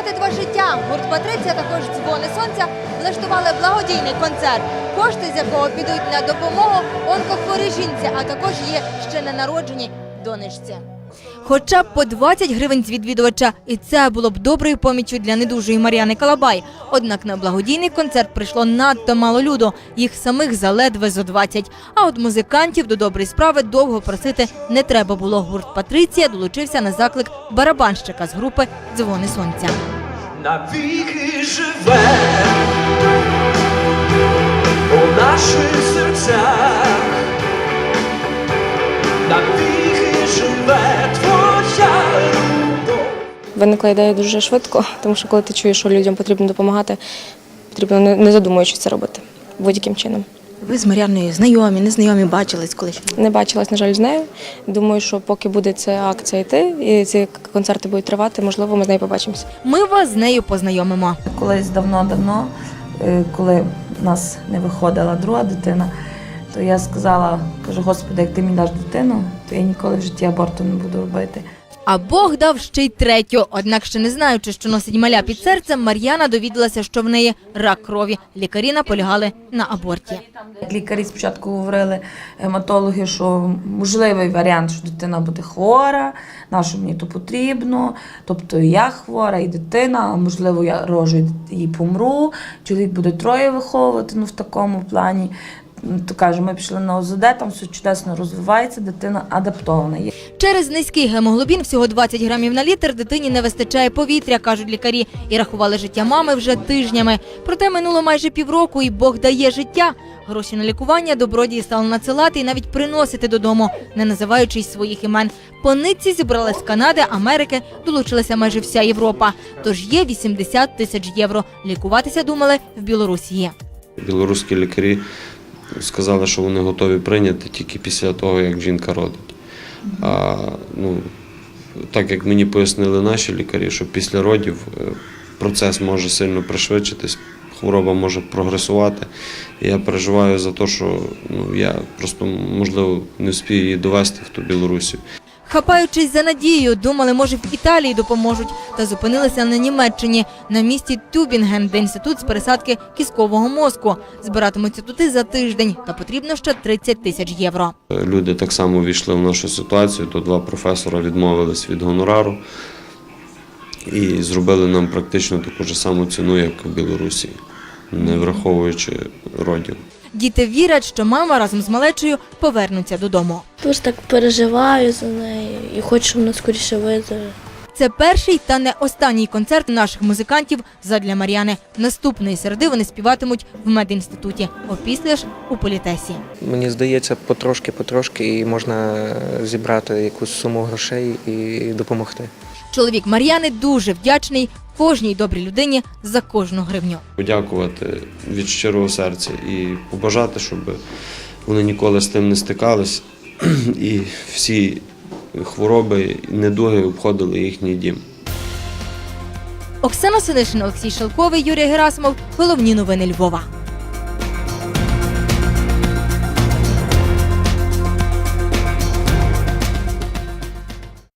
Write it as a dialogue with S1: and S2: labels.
S1: врятувати два життя. Гурт «Патриція», також «Дзвони сонця» влаштували благодійний концерт, кошти з якого підуть на допомогу онкохворій жінці, а також є ще ненародженій донечці. Хоча б по 20 гривень з відвідувача, і це було б доброю поміччю для недужої Мар'яни Калабай. Однак на благодійний концерт прийшло надто мало люду, їх самих заледве зо 20. А от музикантів до доброї справи довго просити не треба було. Гурт «Патриція» долучився на заклик барабанщика з групи «Дзвони сонця».
S2: Навіки живе у наших серцях, навіки живе твоя любов.
S3: Виникла ідея дуже швидко, тому що коли ти чуєш, що людям потрібно допомагати, потрібно не задумуючись це робити будь-яким чином.
S4: Ви з Мар'яною знайомі, незнайомі, бачились колись?
S3: Не бачилась, на жаль, з нею. Думаю, що поки буде ця акція йти і ці концерти будуть тривати, можливо, ми з нею побачимося.
S1: Ми вас з нею познайомимо.
S5: Колись давно-давно, коли в нас не виходила друга дитина, то я сказала, кажу, Господи, як ти мені даш дитину, то я ніколи в житті аборту не буду робити.
S1: А Бог дав ще й третю. Однак, ще не знаючи, що носить маля під серцем, Мар'яна довідалася, що в неї рак крові. Лікарі наполягали на аборті.
S5: Лікарі спочатку говорили, гематологи, що можливий варіант, що дитина буде хвора, на що мені то потрібно, тобто і я хвора, і дитина, а можливо я рожу і помру, чоловік буде троє виховувати, в такому плані. То каже, ми пішли на ОЗД, там все чудесно розвивається, дитина адаптована.
S1: Через низький гемоглобін, всього 20 грамів на літр, дитині не вистачає повітря, кажуть лікарі. І рахували життя мами вже тижнями. Проте минуло майже півроку, і Бог дає життя. Гроші на лікування добродії стали надсилати і навіть приносити додому, не називаючи своїх імен. По нитці зібрали з Канади, Америки, долучилася майже вся Європа. Тож є 80 тисяч євро. Лікуватися думали в Білорусі.
S6: Білоруські лікарі сказали, що вони готові прийняти тільки після того, як жінка родить. А так як мені пояснили наші лікарі, що після родів процес може сильно пришвидшитись, хвороба може прогресувати. І я переживаю за те, що я просто, можливо, не встиг її довести в ту Білорусію.
S1: Хапаючись за надією, думали, може, в Італії допоможуть, та зупинилися на Німеччині, на місті Тюбінген, де інститут з пересадки кісткового мозку. Збиратимуться туди за тиждень, та потрібно ще 30 тисяч євро.
S6: Люди так само війшли в нашу ситуацію, то два професора відмовились від гонорару і зробили нам практично таку ж саму ціну, як в Білорусі, не враховуючи родів.
S1: Діти вірять, що мама разом з малечею повернуться додому.
S7: Просто так переживаю за неї і хочу, щоб вона скоріше виздоровіла.
S1: Це перший та не останній концерт наших музикантів задля Мар'яни. Наступної середи вони співатимуть в медінституті, опісля ж у політесі.
S8: Мені здається, потрошки і можна зібрати якусь суму грошей і допомогти.
S1: Чоловік Мар'яни дуже вдячний кожній добрій людині за кожну гривню.
S6: Подякувати від щирого серця і побажати, щоб вони ніколи з тим не стикались і всі хвороби, недуги обходили їхній дім.
S1: Оксана Синишин, Олексій Шелковий, Юрій Герасимов. Головні новини Львова.